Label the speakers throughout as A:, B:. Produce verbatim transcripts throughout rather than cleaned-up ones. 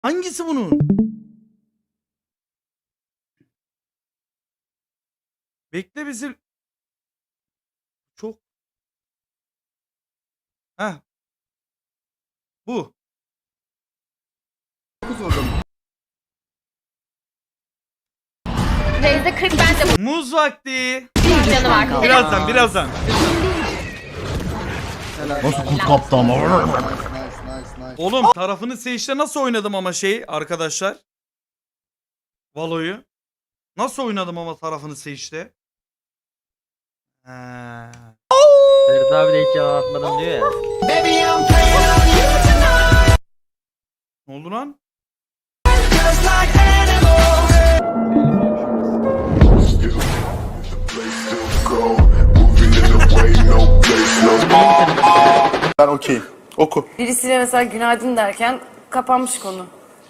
A: Hangisi bunun? Bekle bizi. Çok. Heh. Bu.
B: Teyze kırk bence bu
A: Muz vakti.
B: canı var.
A: Birazdan birazdan.
C: Nasıl kurt kaptı ama?
A: Oğlum tarafını seçte nasıl oynadım ama şey arkadaşlar. Valo'yu. Nasıl oynadım ama tarafını seçte. He.
D: Ferit abi de hiç yalan atmadım diyor ya.
A: Ne oldu lan?
C: Ben okeyim. Oku.
E: Birisiyle mesela günaydın derken kapanmış konu.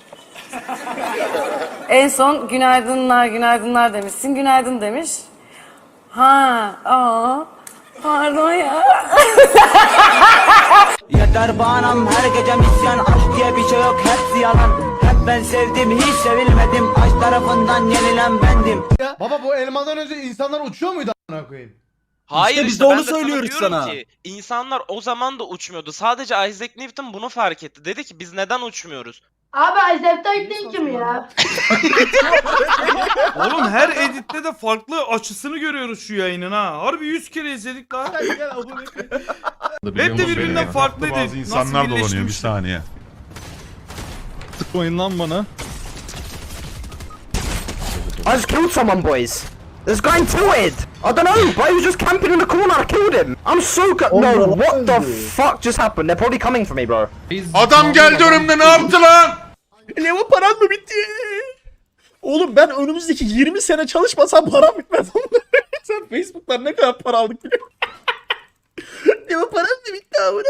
E: En son günaydınlar günaydınlar demişsin. Günaydın demiş. Ha, aa, pardon ya.
F: Yeter bağnam her gece misyan. Aşk diye bir şey yok, hepsi yalan. Hep ben sevdim, hiç sevilmedim. Aşk tarafından yenilen bendim.
G: Baba bu elmadan önce insanlar uçuyor muydu a**ına koyayım?
H: Hayır
I: İşte biz
H: işte
I: de
H: ben
I: onu
H: sana
I: söylüyoruz
H: diyorum
I: sana.
H: Ki, insanlar o zaman da uçmuyordu. Sadece Isaac Newton bunu fark etti. Dedi ki biz neden uçmuyoruz?
B: Abi Isaac Newton kim ya?
A: Oğlum her editte de farklı açısını görüyoruz şu yayının ha. Harbi yüz kere izledik lan. Hep de birbirinden farklıydı.
C: Bazı insanlar dolanıyor bir
A: birleştirmiş?
C: saniye.
I: Tıkmayın lan bana.
F: I just killed someone, boys. There's going to it. I don't know, but he was just camping in the corner. I killed him. I'm so good. No, what the fuck just happened? They're probably coming for me, bro.
C: Adam geldi önümde, ne yaptı lan?
I: Leva paran mı bitti? Oğlum ben önümüzdeki yirmi sene çalışmasam param bitmez. Sen Facebook'tan ne kadar para aldık biliyor musun? Leva paran mı bitti abi?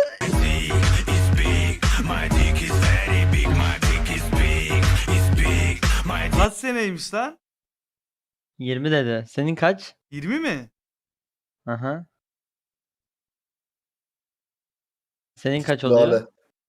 A: Kaç seneymiş lan?
D: yirmi dedi. Senin kaç?
A: yirmi mi?
D: Aha. Senin kaç oluyor?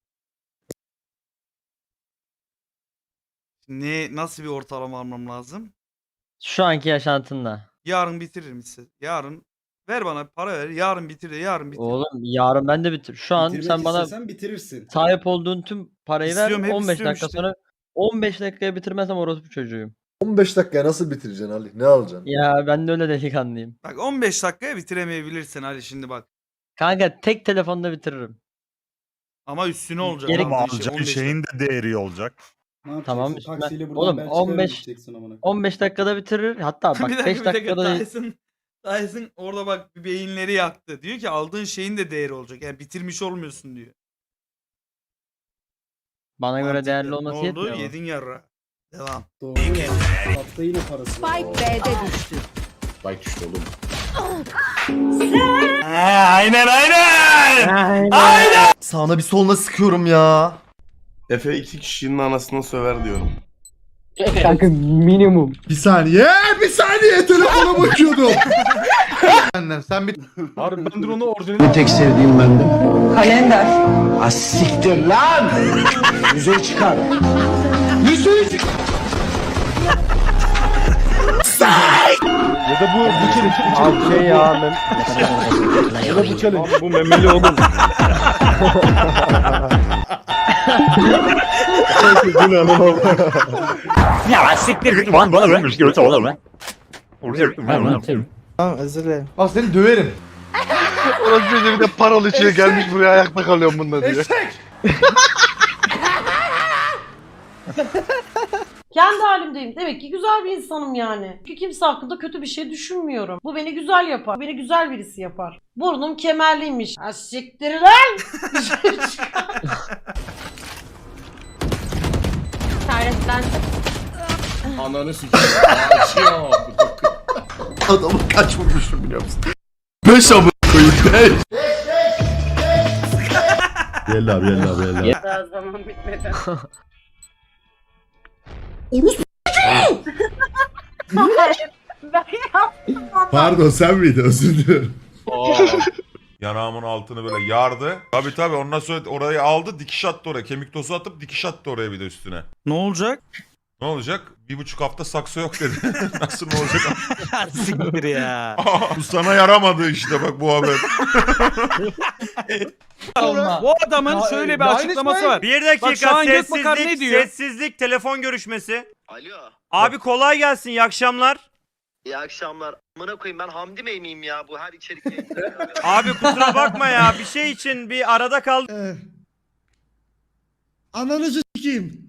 A: Ne nasıl bir ortalama almam lazım?
D: Şu anki yaşantında.
A: Yarın bitiririm ise. Yarın ver bana para ver. Yarın bitir de yarın bitir.
D: Oğlum yarın ben de bitir. Şu an sen bana
G: bitirirsin.
D: sahip olduğun tüm parayı ver.
A: İstiyorum, hep
D: on beş
A: istiyorum
D: dakika
A: işte.
D: sonra on beş dakikaya bitirmezsem orospu çocuğuyum.
G: on beş dakikaya nasıl bitireceksin Ali? Ne alacaksın?
D: Ya ben de öyle delikanlıyım.
A: Bak on beş dakikaya bitiremeyebilirsin Ali şimdi bak.
D: Kanka tek telefonda bitiririm.
A: Ama üstüne olacak.
D: Gerek-
C: Ama
A: aldığın şey
C: alacağın
A: on beş
C: şeyin de değeri olacak.
D: Tamam üstüne. Oğlum on beş on beş dakikada bitirir. Hatta
A: dakika.
D: bak
A: bir dakika
D: beş
A: bir dakika
D: dakikada
A: Tyson, Tyson orada bak bir beyinleri yaktı. Diyor ki aldığın şeyin de değeri olacak. Yani bitirmiş olmuyorsun diyor.
D: bana göre
A: Mantıklı.
D: değerli
A: Ne
D: olması
A: oldu?
D: yetmiyor mu?
A: Yedin yarra. Devam.
B: Spike B'de düştü.
A: aynen aynen.
G: Sağına bir soluna sıkıyorum ya.
J: Efe iki kişinin anasını söver diyorum.
G: Bir saniye, bir saniye telefona bakıyordum. Senden sen bir
I: Harbi ben drone'u orijinal.
F: Tek sevdiğim bendim. Kalender. Asiktir lan. Yüzeye çıkar. Yüzeye çıkar.
I: Ya da bu bu challenge. Abi şey ya ben. Ya da bu challenge. Bu memeli oğlum.
F: Ya siktir lan bana vermiş görüntü olur lan.
G: Bak seni döverim.
J: Orası bir de paralı içine gelmiş buraya ayakta kalıyorum bunda diye.
E: Kendi halimdeyim. Demek ki güzel bir insanım yani. Çünkü kimse hakkında kötü bir şey düşünmüyorum. Bu beni güzel yapar. Beni güzel birisi yapar. Burnum kemerliymiş. Ha siktir lan.
B: Servetlen.
G: Ananı sikeyim. Adamı kaç vurmuşum biliyor musun? Beş amına koyayım. Beş. Gel abi gel abi gel abi.
E: Daha zaman bitmedi.
G: Pardon sen miydin? Özür dilerim.
C: Yanağımın altını böyle yardı. Tabii tabii ondan sonra orayı aldı dikiş attı oraya. Kemik tozu atıp dikiş attı oraya bir de üstüne.
A: Ne olacak?
C: Ne olacak? Bir buçuk hafta sakso yok dedi. Nasıl ne olacak?
A: Siktir ya.
C: Aa, bu sana yaramadı işte bak bu haber.
A: Bu adamın şöyle bir açıklaması var.
K: Bir
A: Bak şu
K: dakika
A: an Gökbakan ne
K: sessizlik,
A: diyor?
K: sessizlik, telefon görüşmesi.
F: Alo.
K: Abi kolay gelsin, iyi akşamlar.
F: İyi akşamlar. Amına koyayım ben Hamdi Bey miyim ya bu her içerik yayınlarında?
K: Abi kusura bakma ya, bir şey için bir arada kaldık.
G: Ananızı s**eyim.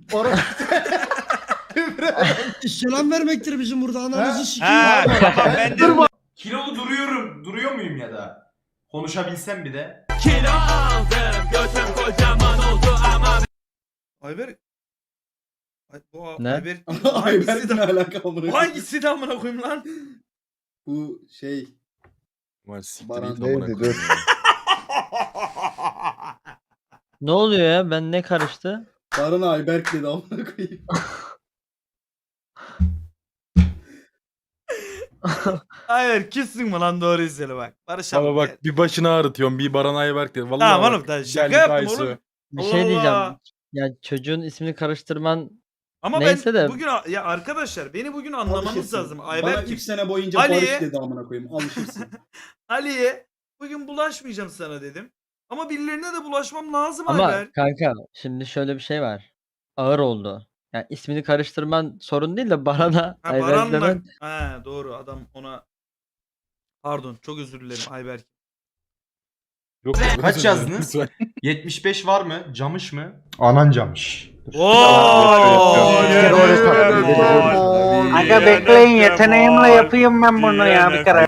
G: Selam vermektir bizim burada ananızı s**eyim.
K: He, tamam ben de...
J: Kilolu duruyorum. Duruyor muyum ya da? Konuşabilsem bir de.
A: Ayber. Ay, bu
D: Ne?
A: Ayber.
G: Ayberk'le ne alaka amına
A: Bu
G: koyayım?
A: hangisi de amına koyayım lan?
G: Bu şey Baran
J: Neydi dur.
D: Ne oluyor ya? Ben ne karıştı?
G: Baran Ayberk dedi amına koyayım.
A: Hayır kimsin mi lan doğru izle bak. Barış abi.
J: Ama bak bir başını ağrıtıyorsun bir Baran Ayberk dedi. Vallahi
A: Tamam
J: bak,
A: oğlum da şaka
J: geldik
A: yaptım
J: Aysu.
A: oğlum.
D: Bir
A: Allah
D: şey diyeceğim.
A: Allah.
D: Ya çocuğun ismini karıştırman
A: Ama
D: Neyse
A: ben
D: de-
A: bugün ya arkadaşlar beni bugün anlamanız
G: Alışırsın.
A: lazım.
G: Bana
A: Ayberk
G: üç sene boyunca
A: Ali'ye-
G: Barış dedi amına koyayım. Alışırsın.
A: Ali'ye bugün bulaşmayacağım sana dedim. Ama birilerine de bulaşmam lazım
D: ama
A: Ayberk.
D: kanka şimdi şöyle bir şey var. Ağır oldu. Yani ismini karıştırman sorun değil de Baran'a
A: Ha,
D: Ayberk
A: Baran'la...
D: demen
A: Ha, doğru adam ona... Pardon çok özür dilerim Ayberk.
J: Yok, kaç yazdınız? yetmiş beş var mı? Camış mı?
G: Anan camış.
K: Aga bekleyin, yeteneğimle yapayım ben bunu ya bir kere.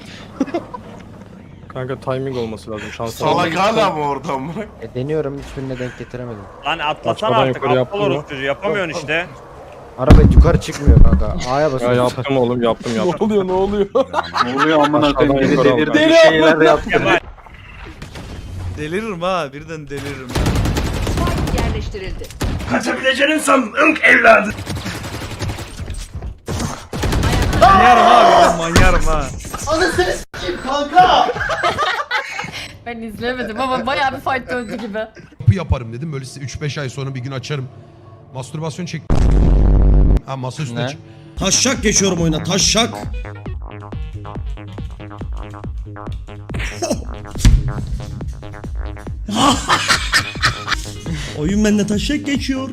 J: Kanka timing olması lazım. Şans
C: Salak hala mı orada mı?
F: E, deniyorum hiçbirine denk getiremedim.
K: Lan atlasana
J: Açmadan
K: artık,
J: yukarı
K: aptal
J: yaptın mı?
K: orospu çocuğu, yapamıyorsun işte.
F: Araba yukarı çıkmıyor kanka. A'ya basıyorum.
J: Ya yaptım oğlum yaptım yaptım. Ne oluyor ne oluyor?
F: Ne oluyor amına
J: koyayım, biri delirdi,
F: bir şeyler yaptı.
K: Kemal.
A: Deliririm ha birden deliririm.
B: Yerleştirildi.
C: Kaçabileceğini sandın evladım.
A: Manyarım ha birden manyarım ha.
G: Anasını s**eyim kanka.
B: Ben izlemedim ama bayağı bir fight döndü gibi.
G: Bu yaparım dedim. Böyle size üç beş ay sonra bir gün açarım. Mastürbasyon çek. Ha masa üstüne
D: Ne?
G: çık. Taşşak geçiyorum oyuna. Taşşak. Oyun bende taşşak geçiyor.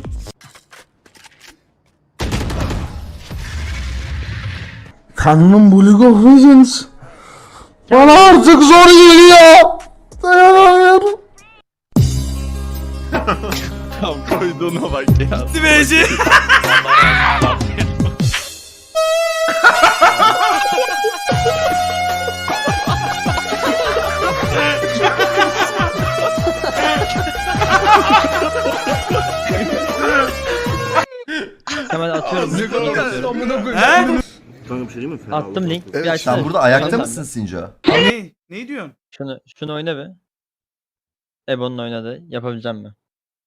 G: Kanunun League of Legends. Bana artık zor geliyor. Dayanamıyorum.
J: Koyduğuna bak ya.
A: Dimeci.
D: hemen atıyorum. link atıyorum.
A: He?
D: Attım link. Bir
G: Evet,
D: açsana.
G: sen burada ayakta
D: Tamam.
G: mısın Sinca?
A: Ne? Ne diyorsun?
D: Şunu şunu oyna be. Ebo'nun oynadı. Yapabileceğim mi?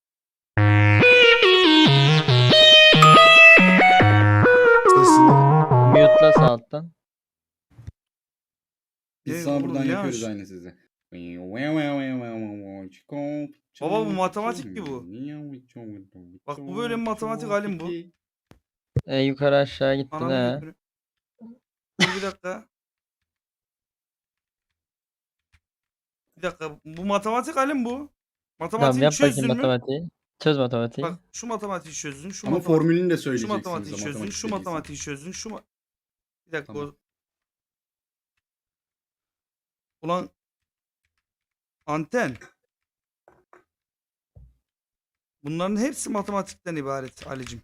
D: Mute'la sağ alttan.
A: Biz
G: Biz
A: sana
G: sana
A: buradan
G: buradan
A: yapıyoruz
G: yapıyoruz aynı sizi.
A: Baba bu matematik mi bu? Bak bu böyle matematik halim bu.
D: E, yukarı aşağı gittin
A: Anam
D: he.
A: götürü. Dur bir dakika. Bir dakika. Bu matematik halim bu.
D: Tamam
A: Matematiği
D: yap
A: çözdün
D: bakayım
A: mü?
D: matematiği. Çöz matematiği.
A: Bak şu matematiği çözdün. Şu
G: Ama
A: matematik-
G: formülünü de
A: Şu
G: söyleyeceksiniz.
A: matematiği
G: ama
A: çözdün.
G: matematik
A: Şu
G: bilgisi.
A: matematiği çözdün. Şu ma- Bir dakika.
G: Tamam.
A: o- Ulan anten. Bunların hepsi matematikten ibaret Ali'cim.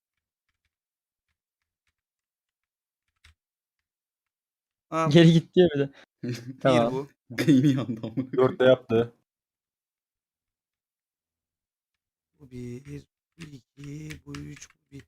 A: Ha,
D: Geri gitti ya bir de.
A: bir
D: Tamam.
A: bu.
G: Beyni yandı amına.
J: Dörtte yaptı.
A: Bu bir, bu iki, bu üç, bu bir.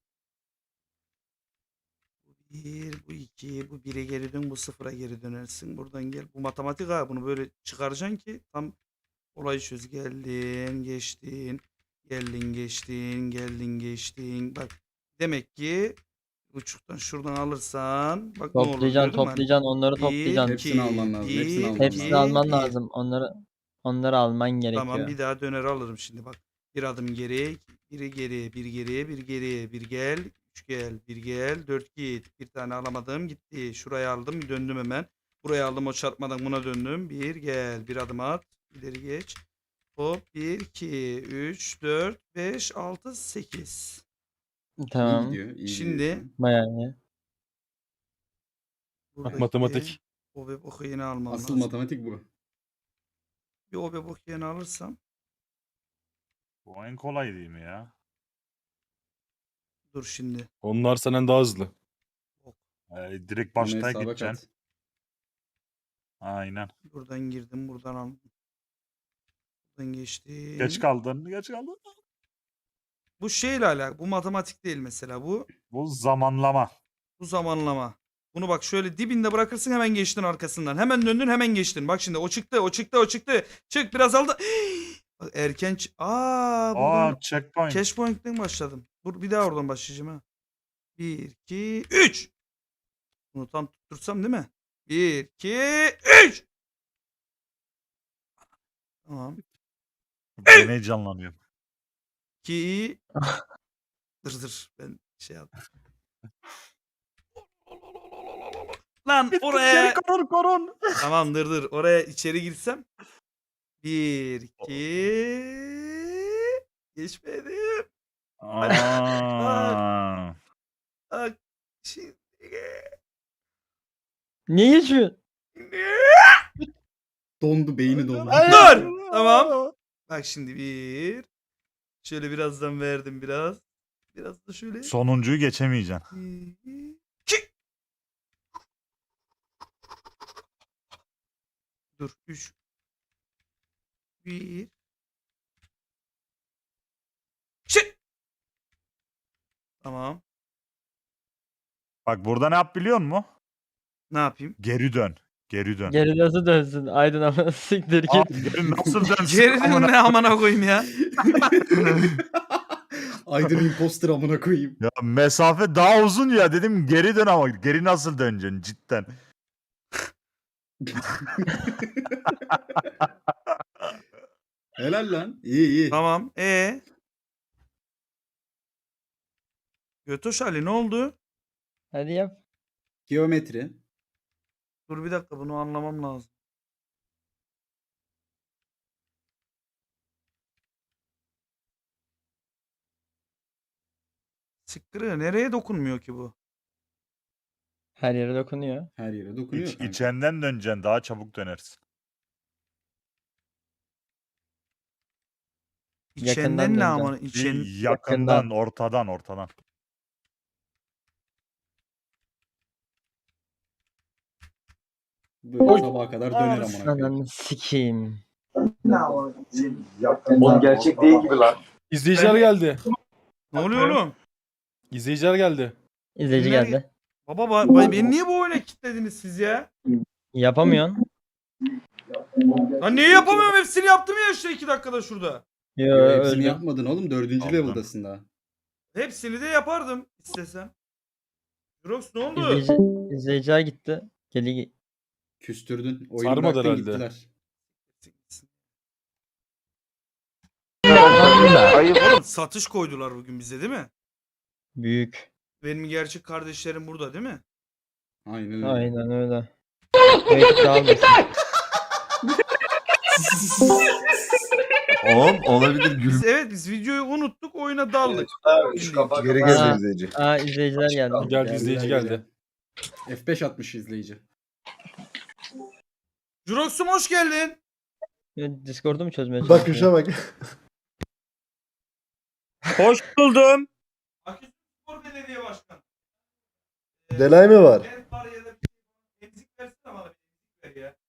A: Bu bir, bu iki, bu bire geri dön, bu sıfıra geri dönersin. Buradan gel. Bu matematik ha. Bunu böyle çıkaracaksın ki tam olayı çöz. Geldin, geçtin. Geldin, geçtin, geldin, geçtin. Bak demek ki buçuktan şuradan alırsan bak ne olur
D: Toplayacaksın,
A: gördün mü?
D: toplayacaksın, onları
A: Bir,
D: toplayacaksın.
I: Hepsini alman lazım,
A: bir,
I: hepsini alman
A: iki,
D: Hepsini alman
A: bir.
D: lazım. Onları onları alman gerekiyor.
A: Tamam bir daha döner alırım şimdi bak. Bir adım geri, biri geri, bir geri, bir geri, bir gel, üç gel, bir gel, dört git. Bir tane alamadım gitti. Şuraya aldım döndüm hemen. Buraya aldım o çarpmadan buna döndüm. Bir gel, bir adım at, ileri geç. Hop bir, iki, üç, dört, beş, altı, sekiz.
D: Tamam.
A: Şimdi
D: Bayağı iyi.
A: buradaki
I: matematik.
A: O ve boku yeni almam
I: Asıl
A: lazım.
I: matematik bu.
A: Bir o ve boku yeni alırsam.
K: Bu en kolay değil mi ya?
A: Dur şimdi.
I: Onlar senden daha hızlı.
K: Ee, direkt
I: Onu
K: başta
I: hesaba
K: gideceksin.
I: kat.
K: Aynen.
A: Buradan girdim, buradan aldım. Buradan geçtim.
K: Geç kaldın. Geç kaldın.
A: Bu şeyle alakalı. Bu matematik değil mesela. Bu
K: Bu zamanlama.
A: bu zamanlama. Bunu bak şöyle dibinde bırakırsın hemen geçtin arkasından. Hemen döndün hemen geçtin. Bak şimdi o çıktı, o çıktı, o çıktı. Çık biraz aldı. Bak erken ç- Aa, buradan
K: Aa, checkpoint.
A: cash point'ten başladım. Dur bir daha oradan başlayacağım ha. bir iki üç. Bunu tam tuttursam değil mi? bir iki üç. Tamam.
K: Ben heyecanlanıyorum.
A: iki Dır dır ben şey yaptım. Lan oraya
K: Korun korun.
A: tamam dır dır oraya içeri girsem bir iki geçmedim.
K: Aa.
A: Bak şimdi
D: Niye geçiyorsun?
I: Dondu, beyni dondu.
A: dur tamam. Bak şimdi bir şöyle birazdan verdim biraz. Biraz da şöyle.
K: Sonuncuyu geçemeyeceksin.
A: İki. Dur üç. Bir. Çık. Tamam.
K: Bak burada ne yap biliyor musun?
A: Ne yapayım?
K: Geri dön. Geri dön.
D: Geri nasıl dönsün? Aydın ama siktir
K: Aa,
D: git.
K: geri nasıl dönsün?
A: Geri
K: Amına-
A: ne amına koyayım ya.
I: Aydın imposter amına koyayım.
K: Ya mesafe daha uzun ya dedim geri dön ama geri nasıl döneceksin cidden.
I: Helal lan. İyi iyi.
A: Tamam. E. Götoş Ali ne oldu?
D: Hadi yap.
I: Geometri.
A: Dur bir dakika bunu anlamam lazım. Sıkkırı nereye dokunmuyor ki bu?
D: Her yere dokunuyor.
I: Her yere dokunuyor
K: İç,
I: kanka.
K: içenden döneceksin daha çabuk dönersin.
D: Yakından
A: İçenden ne
D: döneceğim.
A: ama içen
K: Bir yakından, ortadan, ortadan.
I: Böyle sabaha kadar döner amına koyayım.
D: Ananı sikeyim.
J: Oğlum gerçek değil gibi lan.
I: İzleyiciler geldi.
A: Ne oluyor oğlum?
I: İzleyiciler geldi.
D: İzleyici
A: Nereye-
D: geldi.
A: Baba ba- ba- beni niye bu oyuna kilitlediniz siz ya?
D: Yapamıyorsun.
A: Lan niye yapamıyorum? Hepsini yaptım ya işte iki dakikada şurada.
D: Yo,
I: Yo, hepsini
D: öldü.
I: yapmadın oğlum. Dördüncü
K: Yaptım.
I: level'dasın daha.
A: Hepsini de yapardım istesem. Jurox ne oldu?
D: İzleyici, izleyiciler gitti. Geli
I: Küstürdün. Oyunu
J: Sarmadı
I: bıraktın
J: herhalde.
I: gittiler.
A: Oğlum, satış koydular bugün bize değil mi?
D: büyük.
A: Benim gerçek kardeşlerim burada değil mi?
I: Aynen öyle.
D: Aynen öyle. Evet, kalmasın.
J: Oğlum olabilir gül.
A: Biz, evet biz videoyu unuttuk oyuna daldık.
J: Geri
D: Aa.
J: gel izleyici.
D: Aa izleyiciler geldi.
I: Geldi izleyici geldi. F beş atmış izleyici.
A: Jurox'um hoş geldin.
D: Discord'u mu çözmeye
J: Bak
D: çalışıyor?
J: kuşa bak.
K: Hoş buldum.
A: Aküsü Spor Belediye Başkanı.
J: Delay mı var?
A: Ben var ya da bir emzik versene bana bir emzik ver ya.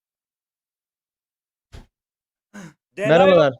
D: Merhabalar.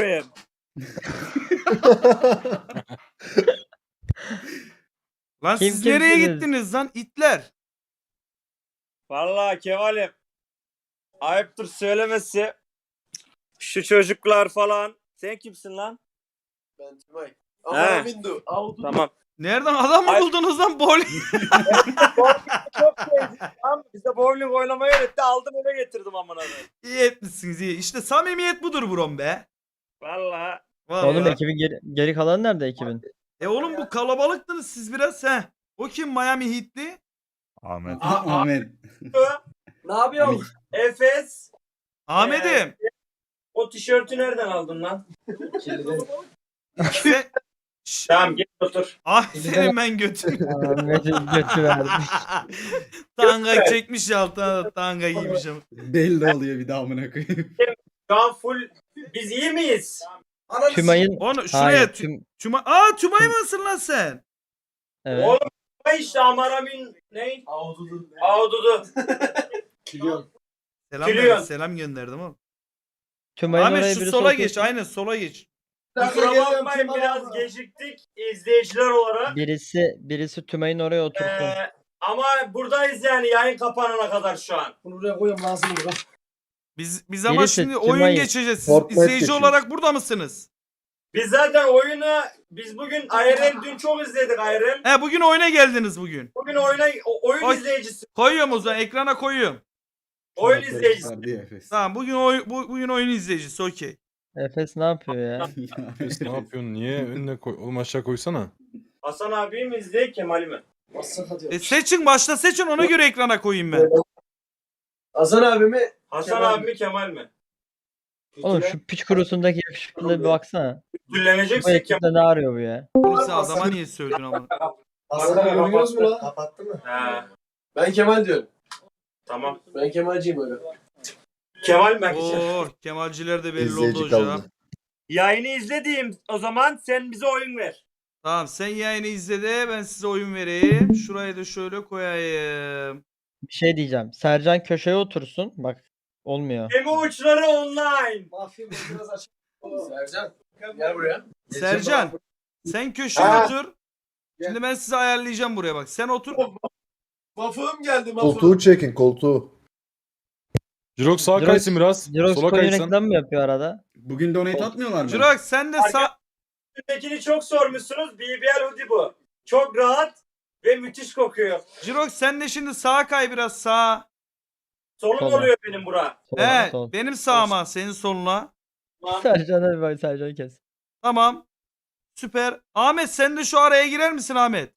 A: Lan
D: Kim
A: siz nereye
D: kimsiniz?
A: gittiniz lan itler?
L: Vallahi Kemal'im ayıptır söylemesi. Şu çocuklar falan. Sen kimsin lan?
J: Ben Tümay.
L: He. Tamam.
A: Nereden adam mı
L: Ay-
A: buldunuz lan bowling?
L: Çok sevdik. Tamam mı? Bize bowling oynamayı öğretti. Aldım eve getirdim amına koyayım.
A: İyi etmişsiniz iyi. İşte samimiyet budur brom be.
L: Valla.
A: Vallahi.
D: Oğlum ekibin geri, geri kalanı nerede ekibin?
A: E oğlum bu kalabalıktınız siz biraz he. O kim Miami Heat'li?
K: Ahmet.
I: Ahmet.
L: Ne yapıyorsun? Efes.
A: Ahmet'im.
L: O tişörtü nereden aldın lan?
A: Sen... Şş,
L: Tamam gel otur.
A: ah senin ben götüm.
D: Ahmet'in götü verdi.
A: Tanga çekmiş ya altına da tanga giymiş ama.
I: Belli oluyor bir daha amına koyayım.
L: Şu an full. Biz iyi miyiz?
D: Tümay'ın...
A: Onu şuraya
D: Hayır,
A: tü-
D: tüm...
A: Tüma... Aa Tümay mısın lan sen?
D: Evet.
L: Oğlum işte Amaramin ne? Avududu. Avududu.
A: Selam,
L: Gülüyor.
A: ver, selam gönderdim oğlum.
D: Tümay'ın
A: Ahmet
D: oraya
A: şu
D: birisi
A: sola
D: otursun.
A: geç aynen sola geç.
L: Kusura bakmayın biraz geciktik izleyiciler olarak.
D: Birisi, birisi Tümay'ın oraya otursun.
L: Ee, ama buradayız yani yayın kapanana kadar şu an.
I: Bunu buraya koyuyorum lazım burada.
A: Biz biz ama
D: Birisi
A: şimdi
D: Tümay-
A: oyun geçeceğiz. Siz
I: Fortnite
A: izleyici
I: geçiyor.
A: olarak burada mısınız?
L: Biz zaten oyunu biz bugün I R L dün çok izledik I R L.
A: He bugün oyuna geldiniz bugün.
L: Bugün oyuna o- oyun
A: Oy.
L: izleyicisi.
A: Koyuyorum o zaman ekrana koyuyorum.
L: Oyun izleyicisi.
A: Tamam bugün oy, bu, bugün oyun izleyicisi okey.
D: Efes ne yapıyor ya?
J: ne yapıyorsun? Niye önüne koy? Oğlum aşağı koysana.
L: Hasan abi mi izleyecek Kemal'i mi?
A: E seçin başta seçin ona göre ekrana koyayım ben.
I: Hasan abi mi?
L: Hasan
I: Kemal
L: abi mi Kemal mi?
D: Oğlum şu piç kurusundaki yakışıklılığa bir baksana. Bu
L: Dülleneceksek Kemal.
D: ekipte ne arıyor bu ya?
A: Oğlum sen adama niye söyledin ama?
I: Hasan abi görüyoruz mu lan? Kapattı mı?
L: He
I: Ben Kemal diyorum.
L: tamam.
I: Ben Kemalciyim öyle.
L: Kemal mi?
A: Oo Kemalciler de belli oldu hocam.
L: Yayını izlediğim o zaman sen bize oyun ver.
A: Tamam sen yayını izle de ben size oyun vereyim. Şurayı da şöyle koyayım.
D: Bir şey diyeceğim. Sercan köşeye otursun. Bak olmuyor.
L: Gemi uçları online.
I: Mafya biraz açık. Sercan gel buraya.
A: Sercan sen köşeye
L: Ha.
A: otur. Şimdi ben size ayarlayacağım buraya bak. Sen otur.
I: Mafığım geldi mafığım.
J: Koltuğu çekin koltuğu.
K: Jirok sağa
D: Jirox-
K: kaysın biraz.
D: Jirox
K: Sola
D: coin
K: kaysan.
D: reklam mı yapıyor arada?
I: Bugün donate atmıyorlar mı?
A: Jirox sen de sağ...
L: Üstündekini çok sormuşsunuz. B B L hoodie bu. Çok rahat ve müthiş kokuyor.
A: Jirox sen de şimdi sağa kay biraz sağa.
L: Solum
D: Sola.
L: oluyor benim bura.
D: Sol,
A: He
D: sol.
A: benim sağıma senin soluna.
D: Sercan'a bir bak, Sercan'ı kes.
A: Tamam. Süper. Ahmet sen de şu araya girer misin Ahmet?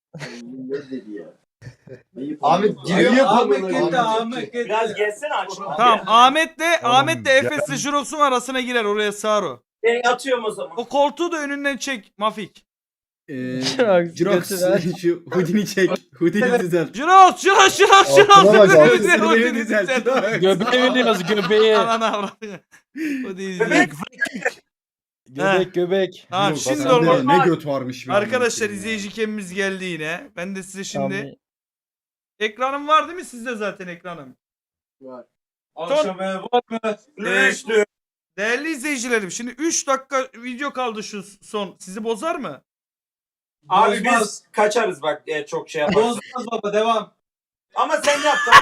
I: Ahmet giriyor. Ahmet gitti Ahmet gitti.
L: Biraz gelsene aç.
A: Tamam Ahmet de
K: Tamam,
A: Ahmet de
K: gel.
A: Efes'le Jirox'un arasına girer oraya sağır o.
L: Ben atıyorum o zaman.
A: O koltuğu da önünden çek Mafik.
I: Eee
D: Jirox,
I: Jirox
D: götü ver.
I: şu hoodini çek. Hoodini düzelt.
A: Jirox Jirox Jirox Jirox.
J: Altına bak,
A: Jirox,
J: altına
A: Jirox,
I: Hoodini
A: Jirox,
I: düzelt.
A: Jirox.
K: Göbeği veriyoruz göbeği.
A: Anana avradını. O değil.
L: Bebek.
K: Göbek göbek.
A: Tamam
I: Jirox,
A: şimdi
I: sende
A: olmaz.
I: Ne göt varmış. be
A: Arkadaşlar
I: Ahmet ya.
A: izleyici kemimiz geldi yine. Ben de size
D: Tamam,
A: şimdi
D: bir-
A: ekranım var değil mi sizde zaten ekranım?
L: Akşam ev var mı?
A: Ee,
L: Üçlü.
A: Değerli izleyicilerim şimdi üç dakika video kaldı şu son. Sizi bozar mı?
L: Abi biz kaçarız bak e, çok şey yaparız.
I: Bozmaz baba devam.
L: Ama sen yap da.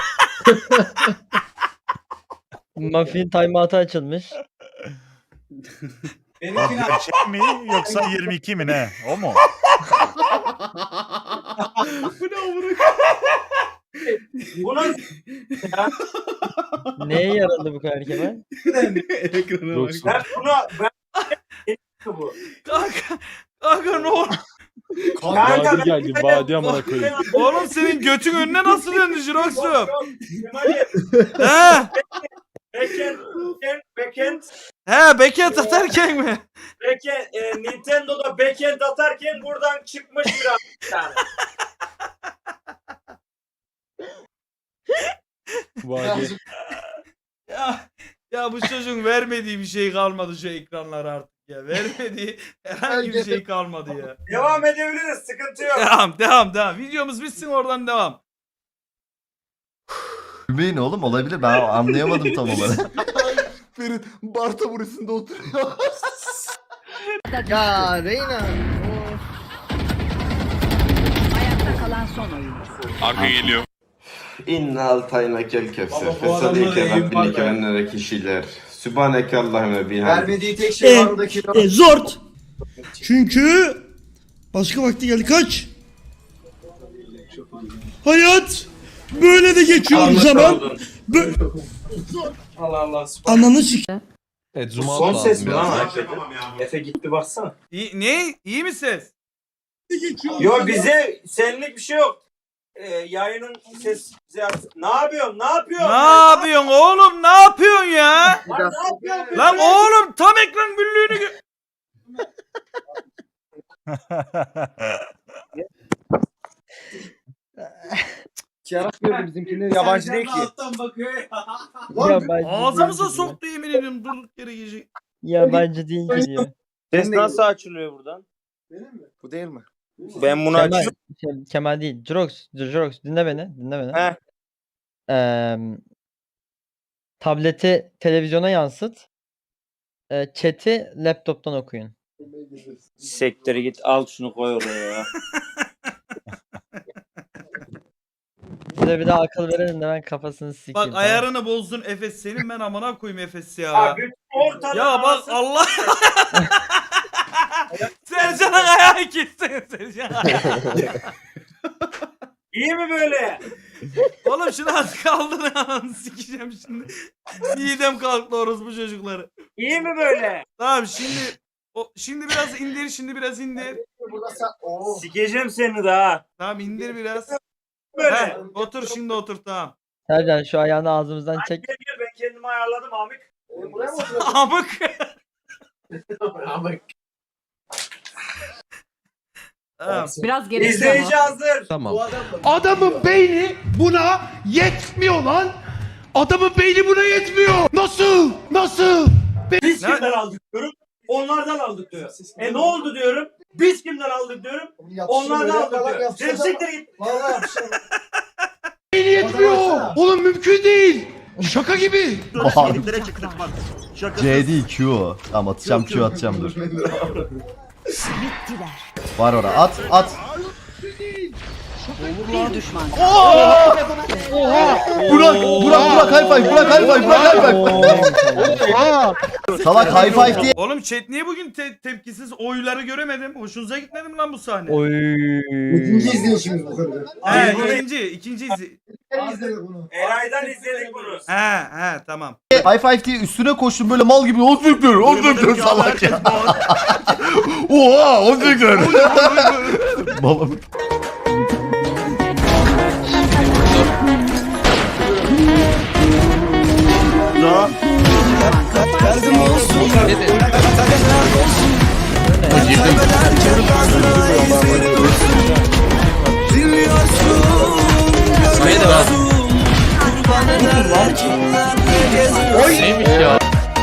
D: Muffin timeout'u açılmış.
I: Benimkini
K: Şey mi yoksa yirmi iki mi ne? O mu?
A: Bu ne amına?
L: Bunun
D: Neye yaradı bu kadar Kemal?
I: Ekrana bak.
K: Yoksa.
L: ben bunu ben bu.
A: Kanka, kanka ne oldu?
L: Kanka,
K: Vadi geldi. Vadi amına koyayım.
A: Oğlum senin götün önüne nasıl döndü Jirox'um?
L: Kemal'im.
A: He?
L: Backend, backend, backend,
A: He beket atarken mi?
L: backend, e, Nintendo'da backend atarken buradan çıkmış biraz bir tane.
K: Vadi.
A: Ya, ya bu çocuğun vermediği bir şey kalmadı şu ekranlara artık ya. Vermediği herhangi bir şey kalmadı ya.
L: Devam edebiliriz, sıkıntı yok.
A: Devam devam devam. Videomuz bitsin oradan devam.
J: Gülmeyin oğlum olabilir ben anlayamadım tam olarak.
I: Ferit Barta burasında oturuyor.
F: Ya Reyna.
B: Ayakta kalan son oyuncu.
H: Arka geliyor.
M: İnna altayna kel kefse.
I: Ama bu adamda
M: Fesadike
I: eğim var
M: rabbinike
I: be.
M: ve nere kişiler. Sübhaneke Allahümme bihamdik.
I: Vermediği tek şey var oradaki.
N: E, zort. Çünkü
I: Başka vakti geldi. Kaç. Hayat. Böyle de geçiyor zaman. Bö-
L: Allah Allah.
I: Ananı sik.
L: Evet, son ses mi lan? Efe git bir baksana.
A: İyi, ne? İyi mi ses?
L: Yo bize senlik bir şey yok. Ee, yayının ses bize yapsın. Ne yapıyorsun? Ne yapıyorsun?
A: Ne yapıyorsun oğlum? Ne yapıyorsun ya?
L: Lan ne yapıyorsun?
A: Lan oğlum tam ekran büllüğünü gö-
L: Yarak gördü bizimkiler yabancı değil ki.
D: Ya Yabancı
A: Ağzımıza
D: değil
A: soktu yemin ediyorum durduk yere gece.
D: diyor. Yabancı değil ki diyor.
L: Ses nasıl açılıyor buradan? Benim mi? Bu değil mi? Ben bunu
D: Kemal,
L: açıyorum.
D: şey, Kemal değil. Jurox, Jurox dinle beni. Dinle beni.
L: He.
D: Eee, tableti televizyona yansıt. Eee, chat'i laptop'tan okuyun.
L: Sektere git al şunu koy oraya ya.
D: Size bir daha akıl verelim de ben kafasını sikeyim.
A: Bak
D: tamam.
A: ayarını bozdun Efes senin ben amına koyayım Efes ya.
L: Abi ortada
A: Ya bak Allah. Sercan'ın ayağı kessin Sercan.
L: İyi mi böyle?
A: Oğlum şunu az kaldı lan sikeceğim şimdi. Midem kalktı orospu çocukları.
L: İyi mi böyle?
A: Tamam şimdi o şimdi biraz indir şimdi biraz indir.
L: Sikeceğim seni daha.
A: Tamam indir biraz.
L: Böyle.
A: Heh, otur şimdi otur tamam.
D: Sercan şu ayağını ağzımızdan çek.
L: Gel gel ben kendimi ayarladım Amik. Buraya mı
A: Amık.
L: Amik.
A: Tamam.
B: Biraz geri
L: İzleyici hazır.
I: Tamam. Adamın beyni buna yetmiyor lan. Adamın beyni buna yetmiyor. Nasıl? Nasıl?
L: Biz
A: Ne-
L: kimden aldık diyorum. Onlardan aldık diyor. E ne oldu diyorum. Biz kimden aldık diyorum. Onlardan aldık diyor. Sen siktir git.
I: Beyni yetmiyor. Oğlum mümkün değil. Şaka gibi.
K: C değil Q o. Tamam atacağım Q atacağım dur. Var ora at at. Burak Burak Burak high five Burak high five Burak high five. Salak high five diye.
A: Oğlum chat niye bugün te- tepkisiz oyları göremedim? Hoşunuza gitmedi mi lan bu sahne?
D: Oy.
I: izleyişimiz bu kadar.
A: He ikinci ikinci izi.
L: Eray'dan izledik bunu.
A: He he tamam.
K: High five diye üstüne koştum böyle mal gibi on fiktör on fiktör salak ya. Oha on fiktör. Babam.
J: Neymiş ya?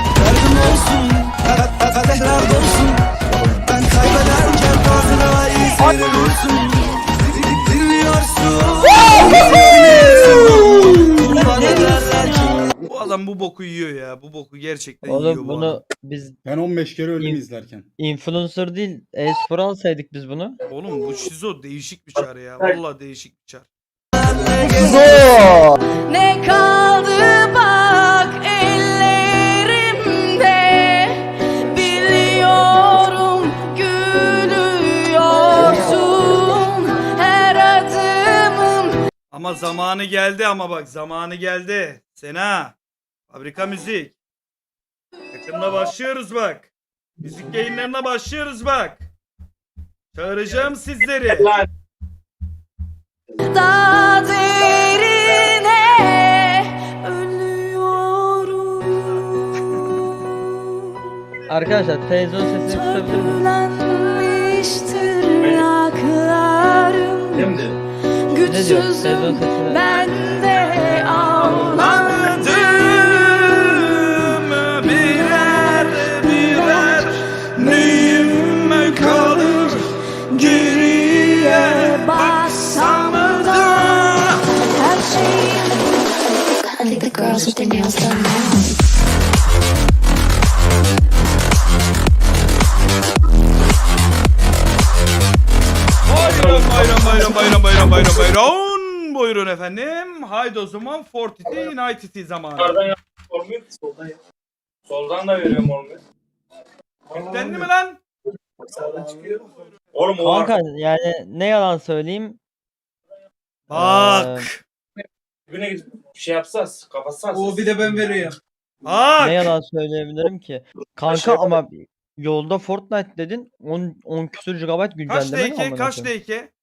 A: Bu adam bu boku yiyor ya. Bu boku gerçekten yiyor
D: Oğlum
A: bu adam.
D: bunu biz
I: Ben on beş kere
D: öldüm influencer değil e-spor alsaydık biz bunu.
A: Oğlum bu şizo değişik bir çar ya. Vallahi değişik bir çar.
B: Ne kaldı bak ellerimde, biliyorum gülüyorsun her adımım.
A: Ama zamanı geldi ama bak zamanı geldi. Sena. Fabrika müzik. Yakında başlıyoruz bak. Müzik yayınlarına başlıyoruz bak. Çağıracağım sizleri.
B: Daha derine ölüyorum.
D: Arkadaşlar televizyon sesini kısabilir miyim?
B: Törpülenmiştir ayaklarım.
L: Şimdi.
D: Ne diyor? Televizyon
B: Güçsüzüm
D: sesini.
B: ben de ağladım.
A: birer birer neyim kalır geriye
B: Bassam da her şeyim.
N: I think the girls with their nails done now.
A: Bayram bayram bayram bayram bayram bayram bayram. Buyurun efendim. Haydi o zaman Fortity United zamanı.
L: Soldan yap. Olmuyor ki soldan yap. Soldan da veriyorum olmuyor.
A: Yüklendi mi lan?
L: Sağdan çıkıyor. Oğlum o
D: Kanka yani ne yalan söyleyeyim.
A: Bak.
L: güne gidip şey yapsaz, kapatsaz.
A: O bir de ben veriyorum.
D: Ne
A: Bak.
D: yalan söyleyebilirim ki. Kanka
L: Aşağı-
D: ama yolda Fortnite dedin. on, on küsür gigabayt
A: Kaç
D: güncelleme mi
A: D K?
D: amına
A: Kaç
D: koyayım?
A: D K?